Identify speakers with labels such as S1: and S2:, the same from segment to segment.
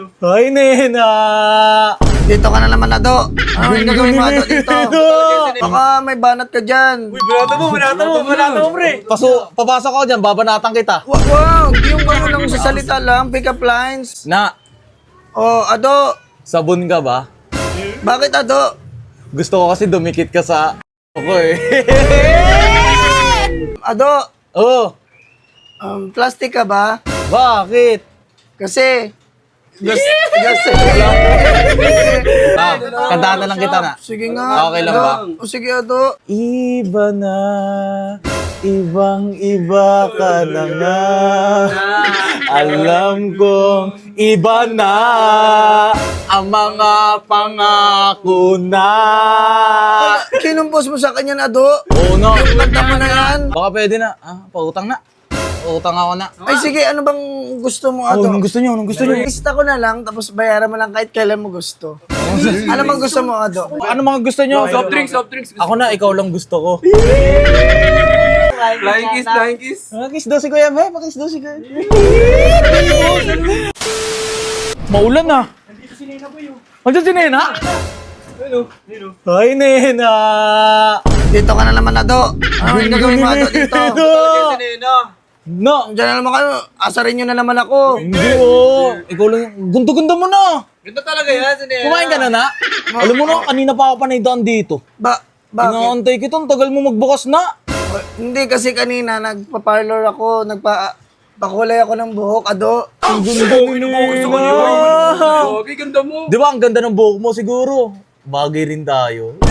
S1: Ay, Nena!
S2: Dito ka na naman, Ado. Ano yung gagawin mo, Ado, dito? Baka may banat ka dyan.
S1: Banata mo, pre! Papasok ako dyan, babanatan kita.
S2: Wow, yung gano'n lang sa salita lang, pick up lines.
S1: Na,
S2: Oh, Ado,
S1: sabon ka ba?
S2: bakit, Ado?
S1: Gusto ko kasi dumikit ka sa ako eh.
S2: Ado,
S1: Oh,
S2: plastic ka ba?
S1: bakit?
S2: Kasi,
S1: Kantahan na lang kita na.
S2: sige nga.
S1: Okay lang ba?
S2: O sige, Ado.
S1: Iba na, ibang-iba ka na nga. Alam kong iba na ang mga pangako na.
S2: Kinumpos mo sa kanya, Ado.
S1: Oo na.
S2: Kanta mo na yan.
S1: Baka pwede na. Pautang na. Pautang ako na.
S2: Ay, sige, ano bang gusto mo, Ado?
S1: Anong gusto niyo? Anong gusto niyo?
S2: Lista ko na lang, tapos bayaran mo lang kahit kailan mo gusto. Ano bang gusto mo, Ado?
S1: Ano mga gusto niyo?
S3: Soft drinks.
S1: Ako na, ikaw lang gusto ko.
S3: Flying kiss.
S1: Kiss daw si Kuya Be, pakiss daw si Kuya. Maulan na. Nandito si Nena po yun. Andiyan si Nena? Ay, Nena!
S2: Dito ka na naman, Ado. Ano yung gagawin mo, Ado, dito?
S1: No!
S2: Diyan na naman kayo. Asarin nyo na naman ako.
S1: Hindi ikaw lang. Gundo-gundo mo na.
S3: Ganda talaga yan, Sinena.
S1: Kumain ka na na? Alam mo na, kanina pa ako panaydaan dito.
S2: Bakit?
S1: Inaantay kita, ang tagal mo magbukas na.
S2: Hindi kasi kanina, nagpa-parlor ako, pakulay ako ng buhok, Ado.
S1: Ang ganda ni Nena.
S3: Okay, ganda mo.
S1: Di ba ang ganda ng buhok mo siguro? Bagay rin tayo.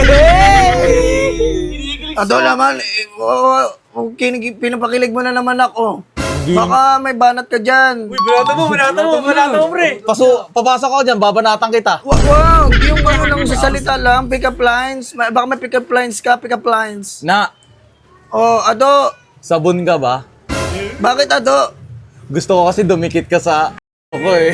S2: Ado naman, pinapakilig mo na naman ako. Baka may banat ka dyan.
S3: Banata mo, pre.
S1: Papasok ako dyan, babanatan kita.
S2: Wow, yung gano'n lang sa salita lang, pick up lines. Baka may pick up lines ka, pick up lines.
S1: Na,
S2: Oh, Ado,
S1: sabon ka ba?
S2: bakit, Ado?
S1: Gusto ko kasi dumikit ka sa ako eh.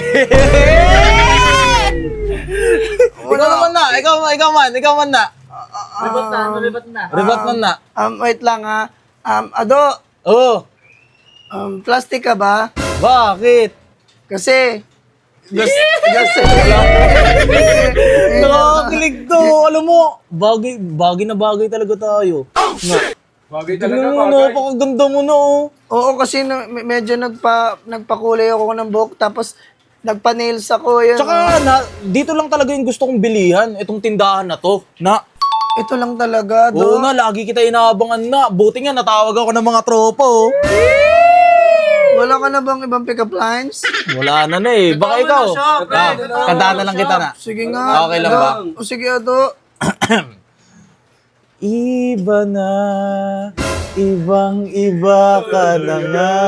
S1: Ikaw naman na, ikaw man na. Rebat man na.
S2: Wait lang ha. Ado,
S1: Oh,
S2: plastic ka ba?
S1: bakit?
S2: Kasi,
S1: Nakakilig to. Alam mo, bagay na bagay talaga tayo.
S3: Bagay
S1: Tignan
S3: talaga,
S1: mo,
S3: bagay.
S1: napakaganda mo na oh.
S2: Oo, kasi medyo nagpakulay ako ng buhok, tapos nagpa-nails ako. Yun.
S1: Tsaka, dito lang talaga yung gusto kong bilihan. Itong tindahan na to. Na,
S2: Ito lang talaga,
S1: oo
S2: do.
S1: na, lagi kita inaabangan na. Buti nga, natawag ako ng mga tropa oh.
S2: Wala ka na bang ibang pick-up lines?
S1: Wala na eh. Baka ikaw. Kantahan na lang kita na.
S2: Sige nga.
S1: Okay lang
S2: Ado.
S1: ba?
S2: O sige, Ado.
S1: Iba na, ibang-iba ka na nga.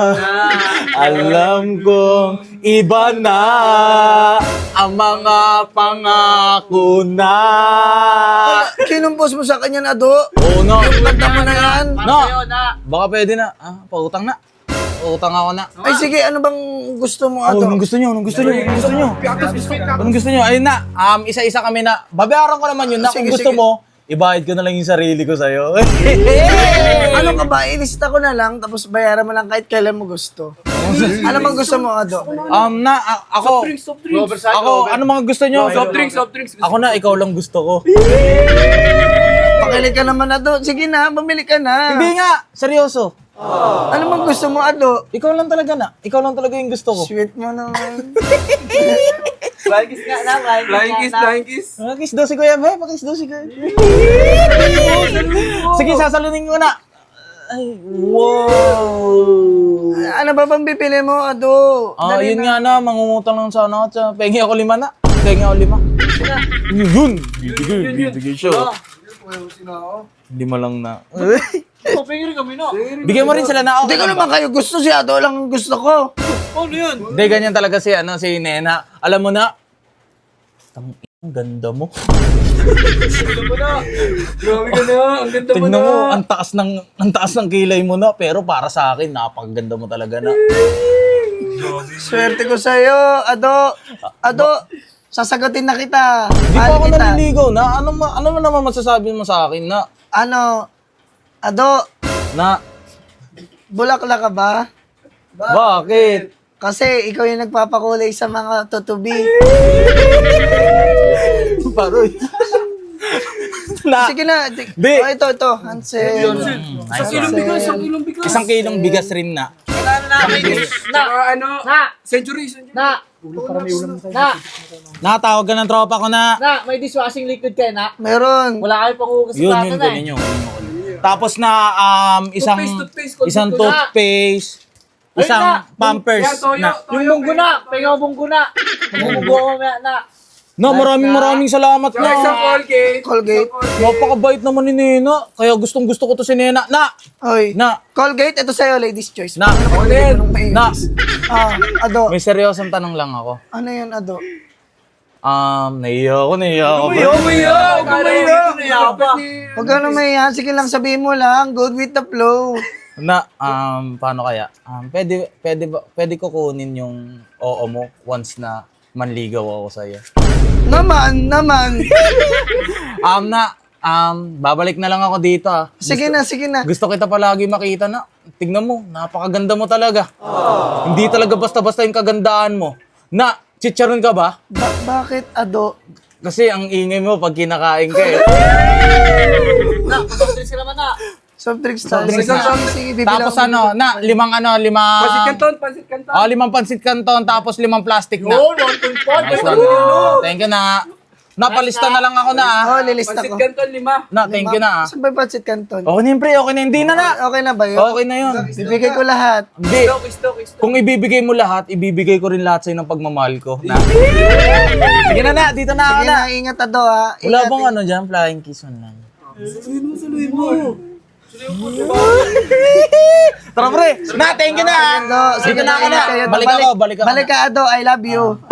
S1: Alam kong iba na ang mga pangako na.
S2: Kinumpos mo sa kanya, Ado.
S1: Oo na.
S2: Kanta mo na yan.
S1: Na, baka pwede na. Pautang na. Pautang ako na.
S2: Ay, sige, ano bang gusto mo, Ado?
S1: Anong gusto niyo? Anong gusto niyo? Anong gusto niyo? Anong gusto niyo? Ayun na, isa-isa kami na. Babayaran ko naman yun na. Kung
S2: Sige,
S1: gusto
S2: sige.
S1: mo, ibayad ko na lang yung sarili ko sa'yo.
S2: Ano ka ba? Ilista ko na lang, tapos bayaran mo lang kahit kailan mo gusto. Ano bang gusto mo, Ado?
S1: Ako, ano mga gusto niyo?
S3: Soft drinks.
S1: Ako na, ikaw lang gusto ko.
S2: Pakilig ka naman, Ado. Sige na, bumili ka na.
S1: Hindi nga, seryoso.
S2: Ano bang gusto mo, Ado?
S1: Ikaw lang talaga na. Ikaw lang talaga yung gusto ko.
S2: Sweet mo naman.
S3: Flying kiss.
S1: Kiss daw si Kuya Be, pakiss daw si Kuya. Sige, sasalunin ko na. Ay, wow.
S2: Ano ba bang bibili mo, Ado? Dali
S1: Yun nga
S2: na.
S1: na, mangungutang lang sana ako. Pengi ako 5 na. Pengi ako 5. Yun. Bibigay siya. 5 lang na. Bigyan mo rin sila na
S2: Hindi
S1: okay.
S2: ko naman kayo gusto, si Ado lang ang gusto ko.
S1: Hindi, ganyan talaga si Nena. Alam mo na, ang ganda mo.
S3: Grabe ka na. Ang ganda mo
S1: Tignan
S3: na.
S1: mo, ang taas ng kilay mo na, pero para sa akin, napakaganda mo talaga na.
S2: Swerte ko sa'yo, Ado. Ado, sasagutin na kita.
S1: Di pa
S2: Mahal
S1: ako
S2: kita.
S1: naliligaw na. Ano mo naman masasabi mo sa akin na,
S2: Ano, Ado,
S1: na,
S2: bulaklak ka ba?
S1: bakit?
S2: Kasi ikaw yung nagpapakulay sa mga tutubi.
S1: Paroy. Na,
S2: Sige na.
S1: Di.
S2: Oh, ito. Hansel.
S1: nice
S3: Kilong
S1: one.
S3: bigas, isang kilong bigas.
S1: Isang kilong bigas rin na.
S3: Saka ano, century.
S1: Nakatawag ka ng tropa ko na.
S4: May dishwashing liquid kayo na.
S2: Meron.
S4: Wala kayo panghugas sa
S1: Yun,
S4: plato
S1: yun,
S4: na
S1: kunin nyo. Tapos na,
S3: Toothpaste,
S1: isang toothpaste, isang pampers
S3: Yan, toyo,
S1: na.
S3: toyo.
S4: Yung bunggo na. Pengaw bunggo na. Bunggo ko mamaya na.
S1: No, maraming salamat
S3: Saka isang
S1: na.
S3: Colgate.
S2: Colgate.
S1: Napakabait naman ni Nena. Kaya gustong gusto ko to si Nena.
S2: Oy.
S1: Na,
S2: Colgate, ito sa'yo, ladies choice.
S1: na, na.
S2: Ado.
S1: May seryosong tanong lang ako.
S2: Ano yun, Ado?
S1: Naiya ako.
S2: Huwag ka na mahiyan. Sige lang, sabihin mo lang. Good with the flow.
S1: Na, paano kaya? Pwede ko kunin yung oo mo once na manligaw ako sa'yo.
S2: Naman.
S1: Babalik na lang ako dito
S2: Sige na.
S1: Gusto kita palagi makita na. Tignan mo, napakaganda mo talaga. Hindi talaga basta-basta yung kagandaan mo. Na, chicharon ka ba?
S2: Bakit, Ado?
S1: Kasi ang ingay mo pag kinakain ka eh.
S4: Na, pagkakadris ka naman na.
S2: Soft drinks tayo.
S1: Soft drinks
S2: Sige,
S1: na.
S2: sige, bibilang
S1: Tapos
S2: ko.
S1: limang
S3: Pansit Canton.
S1: 5 pansit canton, tapos 5 plastic na.
S4: Yun, 1.4.
S1: Nice one. Thank you na. Napalista na lang ako na
S2: Oh, lilista
S3: Pansit
S2: ko.
S3: Canton, 5.
S1: Na, thank you na
S2: Saan ba yung pancit canton?
S1: Okay na yun, pre. Okay na. Hindi na.
S2: Okay na ba yun?
S1: Okay na yun.
S2: Bibigay ko lahat.
S1: Hindi.
S3: Stock.
S1: Kung ibibigay mo lahat, ibibigay ko rin lahat sa'yo ng pagmamahal ko. Na. Sige na. Dito na ako
S2: Sige
S1: na.
S2: na, ingat, Ado, ha.
S1: Wala
S2: Ingat.
S1: bang ano dyan? Flying kiss on lang. Tara pre. Na, thank you na.
S2: Ado, sige
S1: Dito na ako na.
S2: ingat kayo.
S1: Balik ako.
S2: Balik ka, Ado. I love you.